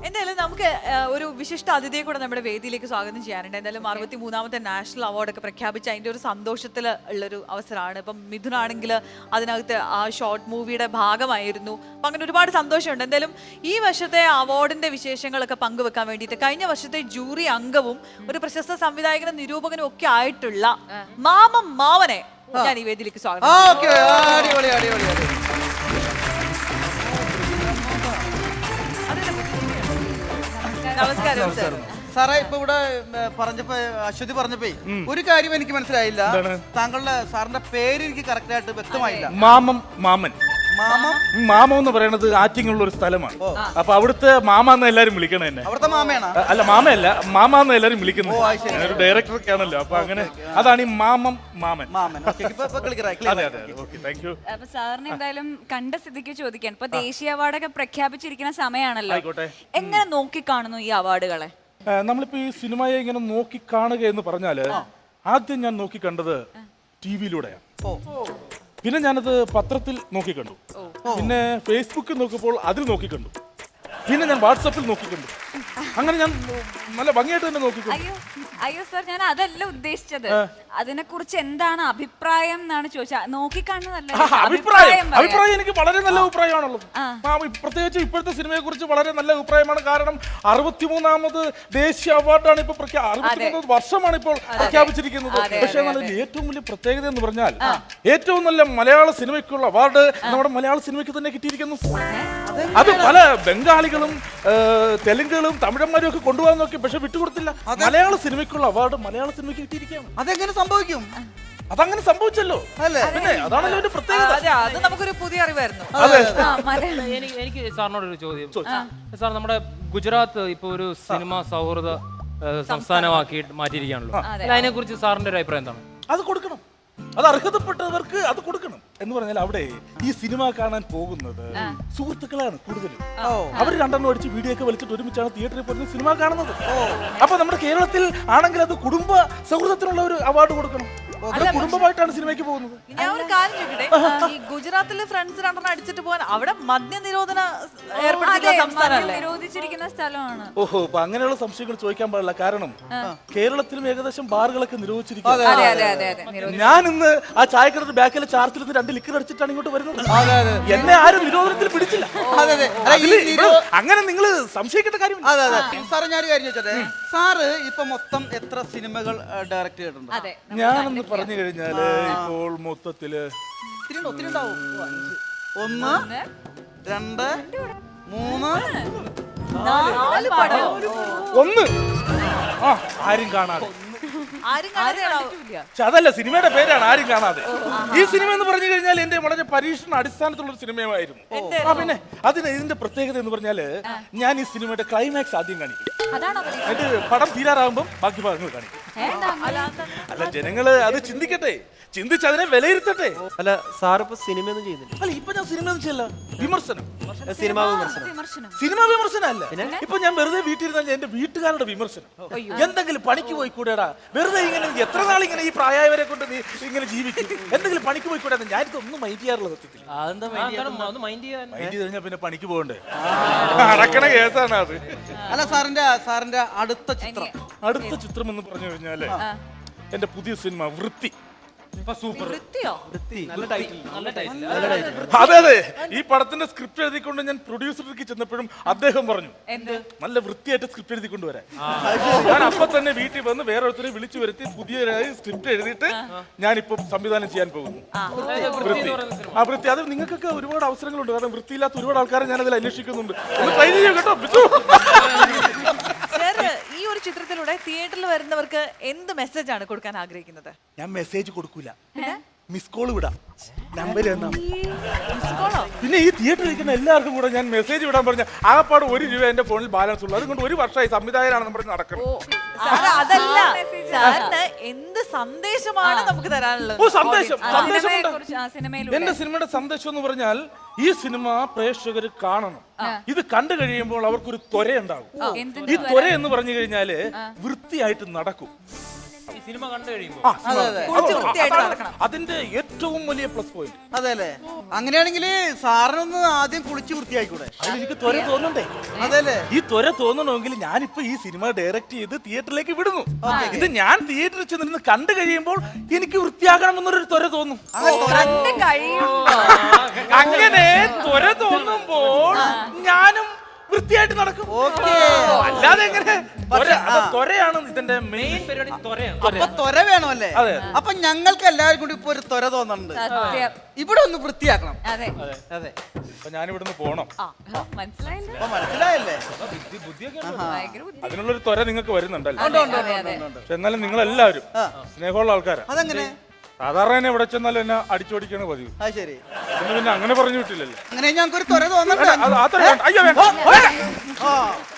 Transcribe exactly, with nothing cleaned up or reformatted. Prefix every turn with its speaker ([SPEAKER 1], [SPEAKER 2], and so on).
[SPEAKER 1] എന്തായാലും നമുക്ക് ഒരു വിശിഷ്ട അതിഥിയെ കൂടെ നമ്മുടെ വേദിയിലേക്ക് സ്വാഗതം ചെയ്യാനുണ്ട്. എന്തായാലും അറുപത്തി മൂന്നാമത്തെ നാഷണൽ അവാർഡൊക്കെ പ്രഖ്യാപിച്ച അതിൻ്റെ ഒരു സന്തോഷത്തിൽ ഉള്ളൊരു അവസരമാണ്. ഇപ്പം മിഥുനാണെങ്കിൽ അതിനകത്ത് ആ ഷോർട്ട് മൂവിയുടെ ഭാഗമായിരുന്നു. അപ്പം അങ്ങനെ ഒരുപാട് സന്തോഷമുണ്ട്. എന്തായാലും ഈ വർഷത്തെ അവാർഡിന്റെ വിശേഷങ്ങളൊക്കെ പങ്കുവെക്കാൻ വേണ്ടിയിട്ട് കഴിഞ്ഞ വർഷത്തെ ജൂറി അംഗവും ഒരു പ്രശസ്ത സംവിധായകനും നിരൂപകനും ഒക്കെ ആയിട്ടുള്ള മാമം മാവനെ ഞാൻ ഈ വേദിയിലേക്ക് സ്വാഗതം. നമസ്കാരം സർ.
[SPEAKER 2] സാറേ, ഇപ്പൊ ഇവിടെ പറഞ്ഞപ്പോ അശ്വതി പറഞ്ഞപ്പോ ഒരു കാര്യം എനിക്ക് മനസ്സിലായില്ല. താങ്കളുടെ സാറിന്റെ പേര് എനിക്ക് കറക്റ്റ് ആയിട്ട് വ്യക്തമായില്ല.
[SPEAKER 3] മാമം മാമൻ.
[SPEAKER 2] മാമം
[SPEAKER 3] മാമം എന്ന് പറയുന്നത് ആറ്റിങ്ങുള്ള ഒരു സ്ഥലമാണ്. അപ്പൊ അവിടുത്തെ മാമ എന്ന് എല്ലാരും വിളിക്കണം എന്നെ.
[SPEAKER 2] അവിടുത്തെ മാമയാണ്?
[SPEAKER 3] അല്ല, മാമയല്ല, മാമ എന്ന് എല്ലാരും വിളിക്കുന്നത്. ഒരു ഡയറക്ടറൊക്കെ ആണല്ലോ. അപ്പൊ അങ്ങനെ അതാണ് ഈ മാമം മാമൻ.
[SPEAKER 2] മാമൻ.
[SPEAKER 3] അതെ അതെ ഓക്കെ, താങ്ക് യു.
[SPEAKER 4] അപ്പൊ സാറിന് എന്തായാലും കണ്ട സ്ഥിതിക്ക് ചോദിക്കാൻ, ഇപ്പൊ ദേശീയ അവാർഡൊക്കെ പ്രഖ്യാപിച്ചിരിക്കുന്ന സമയമാണല്ലോ, എങ്ങനെ നോക്കി കാണുന്നു ഈ അവാർഡുകളെ?
[SPEAKER 3] നമ്മളിപ്പോ ഈ സിനിമയെ ഇങ്ങനെ നോക്കി കാണുക എന്ന് പറഞ്ഞാല് ആദ്യം ഞാൻ നോക്കി കണ്ടത് ടി വിയിലൂടെയാണ്. പിന്നെ ഞാനത് പത്രത്തിൽ നോക്കിക്കണ്ടു. പിന്നെ ഫേസ്ബുക്കിൽ നോക്കിയപ്പോൾ അതിൽ നോക്കിക്കണ്ടു. പിന്നെ ഞാൻ വാട്സപ്പിൽ നോക്കിക്കണ്ടു. അങ്ങനെ ഞാൻ നല്ല ഭംഗിയായിട്ട് തന്നെ നോക്കിക്കണ്ടു.
[SPEAKER 4] അയ്യോ അയ്യോ സാർ, ഞാൻ അതല്ല ഉദ്ദേശിച്ചത്. അതിനെ കുറിച്ച് എന്താണ് അഭിപ്രായം എന്നാണ് ചോദിച്ചത്. നോക്കിക്കാണുന്നതല്ല,
[SPEAKER 3] അഭിപ്രായം അഭിപ്രായം എനിക്ക് വളരെ നല്ല അഭിപ്രായമാണുള്ളത്. പ്രത്യേകിച്ച് ഇപ്പോഴത്തെ സിനിമയെ കുറിച്ച് വളരെ നല്ല അഭിപ്രായമാണ്. കാരണം അറുപത്തിമൂന്നാമത് ദേശീയ അവാർഡാണ് ഇപ്പൊ അറുപത്തിമൂന്നാമത് വർഷമാണ് ഇപ്പോൾ പ്രഖ്യാപിച്ചിരിക്കുന്നത്. പക്ഷേ അതിൽ ഏറ്റവും വലിയ പ്രത്യേകത എന്ന് പറഞ്ഞാൽ ഏറ്റവും നല്ല മലയാള സിനിമയ്ക്കുള്ള അവാർഡ് നമ്മുടെ മലയാള സിനിമയ്ക്ക് തന്നെ കിട്ടിയിരിക്കുന്നു. അത് പല ബംഗാളികളും തെലുങ്കുകളും തമിഴന്മാരും ഒക്കെ കൊണ്ടുപോകാൻ നോക്കി, പക്ഷെ വിട്ടുകൊടുത്തില്ല. മലയാള സിനിമയ്ക്കുള്ള അവാർഡ് മലയാള സിനിമയ്ക്ക് കിട്ടിയിരിക്കുകയാണ്.
[SPEAKER 2] അതെങ്ങനെ സംഭവിക്കും?
[SPEAKER 3] അതങ്ങനെ സംഭവിച്ചല്ലോ അല്ലേ? പിന്നെ അതാണല്ലോ അതിന്റെ പ്രത്യേകത.
[SPEAKER 1] അത് നമുക്കൊരു പുതിയ അറിവായിരുന്നു.
[SPEAKER 5] എനിക്ക് എനിക്ക് സാറിനോടൊരു ചോദ്യം. സാർ, നമ്മുടെ ഗുജറാത്ത് ഇപ്പൊ ഒരു സിനിമ സൗഹൃദ സംസ്ഥാനമാക്കി മാറ്റിയിരിക്കുകയാണല്ലോ. അതിനെ കുറിച്ച് സാറിന്റെ ഒരു അഭിപ്രായം എന്താണ്?
[SPEAKER 3] അത് കൊടുക്കണം, അത് അർഹതപ്പെട്ടവർക്ക് അത് കൊടുക്കണം. എന്ന് പറഞ്ഞാൽ അവിടെ ഈ സിനിമ കാണാൻ പോകുന്നത് സുഹൃത്തുക്കളാണ് കൂടുതലും. അവർ രണ്ടെണ്ണം അടിച്ച് വീഡിയോ ഒക്കെ വലിച്ചിട്ട് ഒരുമിച്ചാണ് തിയേറ്ററിൽ പോയി സിനിമ കാണുന്നത്. അപ്പൊ നമ്മുടെ കേരളത്തിൽ ആണെങ്കിൽ അത് കുടുംബ സൗഹൃദത്തിനുള്ള ഒരു അവാർഡ് കൊടുക്കണം. കുടുംബമായിട്ടാണ് സിനിമയ്ക്ക് പോകുന്നത്.
[SPEAKER 1] ഞാൻ ഒരു കാര്യം ചോദിക്കട്ടെ, ഈ ഗുജറാത്തിലെ ഫ്രണ്ട്സ് രണ്ടെണ്ണം അടിച്ചിട്ട് പോകാൻ അവിടെ മദ്യ നിരോധന ഏർപ്പെടുത്തിയിട്ടുള്ള സംസ്ഥാനമല്ലേ?
[SPEAKER 4] നിരോധിച്ചിരിക്കുന്ന സ്ഥലമാണ്.
[SPEAKER 3] ഓഹോ, അപ്പൊ അങ്ങനെയുള്ള സംശയങ്ങൾ ചോദിക്കാൻ പാടില്ല. കാരണം കേരളത്തിലും ഏകദേശം ബാറുകളൊക്കെ നിരോധിച്ചിരിക്കുന്നു. ഞാൻ ഇന്ന് ആ ചായക്കടയുടെ ബാക്കിലെ ചാർത്തിൽ രണ്ട് ലിക്കർ അടിച്ചിട്ടാണ് ഇങ്ങോട്ട് വരുന്നത്. എന്നെ ആരും നിരോധനത്തിൽ പിടിച്ചില്ല. അങ്ങനെ നിങ്ങൾ സംശയിക്കേണ്ട കാര്യം.
[SPEAKER 2] സാറ് ഞാനൊരു കാര്യം ചോദിച്ചോട്ടെ, സാറ് ഇപ്പൊ മൊത്തം എത്ര സിനിമകൾ ഡയറക്ട് ചെയ്തിട്ടുണ്ട്?
[SPEAKER 3] ഞാനെന്ന് പറഞ്ഞു കഴിഞ്ഞാല് ഇപ്പോൾ മൊത്തത്തില്
[SPEAKER 2] ഒന്ന്, രണ്ട്, മൂന്ന്,
[SPEAKER 3] ഒന്ന്. ആ, ആരും കാണാതെ. അതല്ല, സിനിമയുടെ പേരാണ് ആരും കാണാതെ. ഈ സിനിമ എന്ന് പറഞ്ഞു കഴിഞ്ഞാൽ എന്റെ വളരെ പരീക്ഷണ അടിസ്ഥാനത്തിലുള്ള സിനിമയായിരുന്നു. ആ, പിന്നെ അതിന് ഇതിന്റെ പ്രത്യേകത എന്ന് പറഞ്ഞാല് ഞാൻ ഈ സിനിമയുടെ ക്ലൈമാക്സ് ആദ്യം കാണിക്കും. എന്നിട്ട് പടം തീരാറാകുമ്പോൾ ബാക്കി ഭാഗങ്ങൾ കാണിക്കും. അല്ല, ജനങ്ങള് അത് ചിന്തിക്കട്ടെ, ചിന്തിച്ച് അതിനെ വിലയിരുത്തട്ടെ.
[SPEAKER 6] അല്ല, സാറിപ്പോ സിനിമയൊന്നും ചെയ്യുന്നില്ല?
[SPEAKER 3] അല്ല, ഇപ്പൊ ഞാൻ സിനിമ ചെയ്യല്ല, വിമർശനം.
[SPEAKER 6] സിനിമാ വിമർശനം?
[SPEAKER 3] സിനിമാ വിമർശനം അല്ല. ഇപ്പൊ ഞാൻ വെറുതെ വീട്ടിലിരുന്നാൽ എന്റെ വീട്ടുകാരുടെ വിമർശനം. എന്തെങ്കിലും പണിക്ക് പോയി കൂടെടാ, വെറുതെ ഇങ്ങനെ എത്ര നാൾ ഇങ്ങനെ ഈ പ്രായവരെ കൊണ്ട് നീ ഇങ്ങനെ ജീവിക്കും, എന്തെങ്കിലും പണിക്ക് പോയി കൂടെ. ഞാനിതൊന്നും മൈൻഡ് ചെയ്യാറുള്ള സത്യത്തിൽ. മൈൻഡ് ചെയ്ത് കഴിഞ്ഞാൽ പിന്നെ പണിക്ക് പോകണ്ടേ, അടക്കണ കേസാണ് അത്.
[SPEAKER 2] അല്ല, സാറിന്റെ സാറിന്റെ അടുത്ത ചിത്രം
[SPEAKER 3] അടുത്ത ചിത്രം എന്ന് പറഞ്ഞു കഴിഞ്ഞാല് എന്റെ പുതിയ സിനിമ വൃത്തി. അതെ അതെ, ഈ പടത്തിന്റെ സ്ക്രിപ്റ്റ് എഴുതിക്കൊണ്ട് ഞാൻ പ്രൊഡ്യൂസർക്ക് ചെന്നപ്പോഴും അദ്ദേഹം പറഞ്ഞു നല്ല വൃത്തിയായിട്ട് സ്ക്രിപ്റ്റ് എഴുതിക്കൊണ്ട് വരാൻ. ഞാൻ അപ്പൊ തന്നെ വീട്ടിൽ വന്ന് വേറൊരുത്തരെ വിളിച്ചു വരുത്തി പുതിയ സ്ക്രിപ്റ്റ് എഴുതിയിട്ട് ഞാനിപ്പോ സംവിധാനം ചെയ്യാൻ പോകുന്നു. വൃത്തി. ആ വൃത്തി, അത് നിങ്ങൾക്കൊക്കെ ഒരുപാട് അവസരങ്ങളുണ്ട്. കാരണം വൃത്തിയില്ലാത്ത ഒരുപാട് ആൾക്കാരെ ഞാൻ അതിൽ അന്വേഷിക്കുന്നുണ്ട്. ഒന്ന് ട്രൈ ചെയ്യും കേട്ടോ.
[SPEAKER 1] ഈ ഒരു ചിത്രത്തിലൂടെ തിയേറ്ററിൽ വരുന്നവർക്ക് എന്ത് മെസ്സേജ് ആണ് കൊടുക്കാൻ ആഗ്രഹിക്കുന്നത്?
[SPEAKER 3] ഞാൻ മെസ്സേജ് കൊടുക്കൂല, മിസ് കോൾ വിടാം. നമ്പർ എന്നാ പിന്നെ ഈ തിയേറ്ററിൽ ഇരിക്കുന്ന എല്ലാവർക്കും കൂടെ ഞാൻ മെസ്സേജ് വിടാൻ പറഞ്ഞ ആകപ്പാട് ഒരു രൂപ എന്റെ ഫോണിൽ ബാലൻസ് ഉള്ളു. അതുകൊണ്ട് ഒരു വർഷമായി സംവിധായകനാണെന്ന് പറഞ്ഞ് നടക്കണം.
[SPEAKER 1] അതല്ല, സാറിന് എന്ത് സന്ദേശമാണ് നമുക്ക് തരാനുള്ളത്?
[SPEAKER 3] ഓ, സന്ദേശം സന്ദേശം എന്റെ സിനിമയുടെ സന്ദേശം എന്ന് പറഞ്ഞാൽ ഈ സിനിമ പ്രേക്ഷകർ കാണണം. ഇത് കണ്ടു കഴിയുമ്പോൾ അവർക്കൊരു ത്വര ഉണ്ടാകും. ഈ ത്വര എന്ന് പറഞ്ഞു കഴിഞ്ഞാല് വൃത്തിയായിട്ട് നടക്കും.
[SPEAKER 5] ഈ സിനിമ കണ്ടു കഴിയുമ്പോൾ
[SPEAKER 3] ആ,
[SPEAKER 2] അതെ, അതെ.
[SPEAKER 1] കുളിച്ച് വൃത്തിയായിട്ട്
[SPEAKER 3] അതാണ്
[SPEAKER 1] നടക്കണം.
[SPEAKER 3] അതിന്റെ ഏറ്റവും വലിയ പ്ലസ് പോയിന്റ്.
[SPEAKER 2] അതെ അല്ലേ? അങ്ങനെയാണെങ്കിൽ സാറിനൊന്ന് ആദ്യം കുളിച്ച് വൃത്തിയായിക്കൂടെ?
[SPEAKER 3] എനിക്ക് ത്വര തോന്നണ്ടേ?
[SPEAKER 2] അതെല്ലേ?
[SPEAKER 3] ഈ ത്വര തോന്നണമെങ്കിൽ ഞാനിപ്പോ ഈ സിനിമ ഡയറക്റ്റ് ചെയ്ത് തിയേറ്ററിലേക്ക് വിടുന്നു. ഇത് ഞാൻ തിയേറ്ററിൽ ചെന്നിരുന്ന് കണ്ടു കഴിയുമ്പോൾ എനിക്ക് വൃത്തിയാകണം എന്നൊരു ത്വര തോന്നും.
[SPEAKER 4] കണ്ട് കഴിയുമ്പോ
[SPEAKER 3] അങ്ങനെ ത്വര തോന്നുമ്പോൾ ഞാനും വൃത്തിയായിട്ട് നടക്കും.
[SPEAKER 2] ഓക്കേ.
[SPEAKER 3] അല്ലാതെ എങ്ങനെ? ത്വര- അത് ത്വരയാണ് ഇതിന്റെ മെയിൻ
[SPEAKER 5] പരിപാടി ത്വരയാണ്.
[SPEAKER 2] അപ്പൊ ത്വര വേണമല്ലേ?
[SPEAKER 3] അതെ.
[SPEAKER 2] അപ്പൊ ഞങ്ങൾക്ക് എല്ലാവരും കൂടി ഇപ്പൊ ഒരു ത്വര തോന്നുന്നുണ്ട്.
[SPEAKER 4] സത്യം.
[SPEAKER 2] ഇവിടെ ഒന്ന് വൃത്തിയാക്കണം.
[SPEAKER 4] അതെ
[SPEAKER 2] അതെ.
[SPEAKER 3] അപ്പൊ ഞാനിവിടുന്ന് പോണം.
[SPEAKER 4] മനസ്സിലായില്ല
[SPEAKER 2] അപ്പൊ മനസ്സിലായല്ലേ?
[SPEAKER 4] ഭയങ്കര ബുദ്ധി.
[SPEAKER 3] അതിനുള്ളൊരു ത്വര നിങ്ങൾക്ക് വരുന്നുണ്ടല്ലോ.
[SPEAKER 2] ഉണ്ട്, ഉണ്ട്,
[SPEAKER 4] അതെ,
[SPEAKER 2] ഉണ്ട്,
[SPEAKER 4] അതെ.
[SPEAKER 2] ഉണ്ട്, ഉണ്ട്.
[SPEAKER 3] പക്ഷെ എന്നാലും നിങ്ങൾ എല്ലാവരും
[SPEAKER 2] ആ.
[SPEAKER 3] സ്നേഹമുള്ള ആൾക്കാരാ.
[SPEAKER 2] അതെങ്ങനെ?
[SPEAKER 3] സാധാരണ എന്നെ എവിടെ ചെന്നാലും എന്നെ അടിച്ചോടിക്കാണ് പതിവ്.
[SPEAKER 2] അത് ശരി.
[SPEAKER 3] ഇതിന് പിന്നെ അങ്ങനെ പറഞ്ഞു വിട്ടില്ലല്ലോ.
[SPEAKER 2] അങ്ങനെ ഞങ്ങൾക്ക് ഒരു ത്വര തോന്നണ്ട.
[SPEAKER 3] അത് ആ ത്വര വേണ്ട. അയ്യോ വേണ്ട.
[SPEAKER 2] ആ